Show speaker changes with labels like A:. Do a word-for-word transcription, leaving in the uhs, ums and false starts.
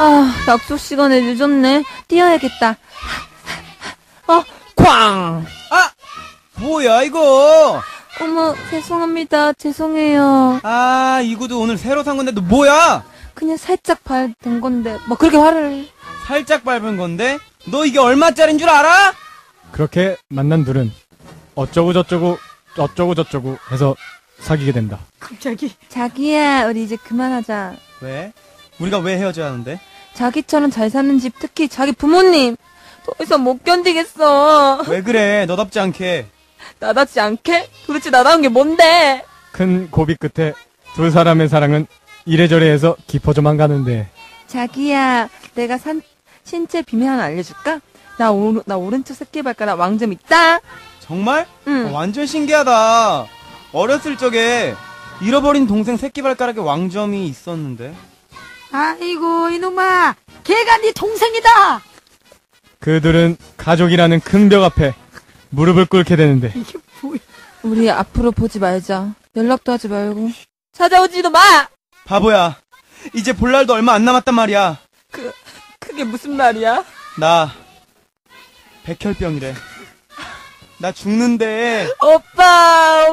A: 아, 약속 시간에 늦었네. 뛰어야겠다. 어, 쾅!
B: 아! 뭐야, 이거?
A: 어머, 죄송합니다. 죄송해요.
B: 아, 이 구두 오늘 새로 산 건데, 너 뭐야?
A: 그냥 살짝 밟은 건데, 뭐 그렇게 화를.
B: 살짝 밟은 건데? 너 이게 얼마짜린 줄 알아?
C: 그렇게 만난 둘은 어쩌고 저쩌고 어쩌고 저쩌고 해서 사귀게 된다.
D: 갑자기.
A: 자기야, 우리 이제 그만하자.
B: 왜? 우리가 왜 헤어져야 하는데?
A: 자기처럼 잘 사는 집, 특히 자기 부모님. 더 이상 못 견디겠어.
B: 왜 그래, 너답지 않게.
A: 나답지 않게? 도대체 나다운 게 뭔데?
C: 큰 고비 끝에 두 사람의 사랑은 이래저래 해서 깊어져만 가는데.
A: 자기야, 내가 산, 신체 비밀 하나 알려줄까? 나, 오, 나 오른쪽 새끼발가락 왕점 있다?
B: 정말?
A: 응.
B: 어, 완전 신기하다. 어렸을 적에 잃어버린 동생 새끼발가락에 왕점이 있었는데.
D: 아이고 이놈아, 걔가 네 동생이다.
C: 그들은 가족이라는 큰 벽 앞에 무릎을 꿇게 되는데.
D: 이게 뭐야?
A: 우리 앞으로 보지 말자. 연락도 하지 말고. 찾아오지도 마!
B: 바보야. 이제 볼 날도 얼마 안 남았단 말이야.
A: 그, 그게 무슨 말이야?
B: 나 백혈병이래. 나 죽는데.
A: 오빠,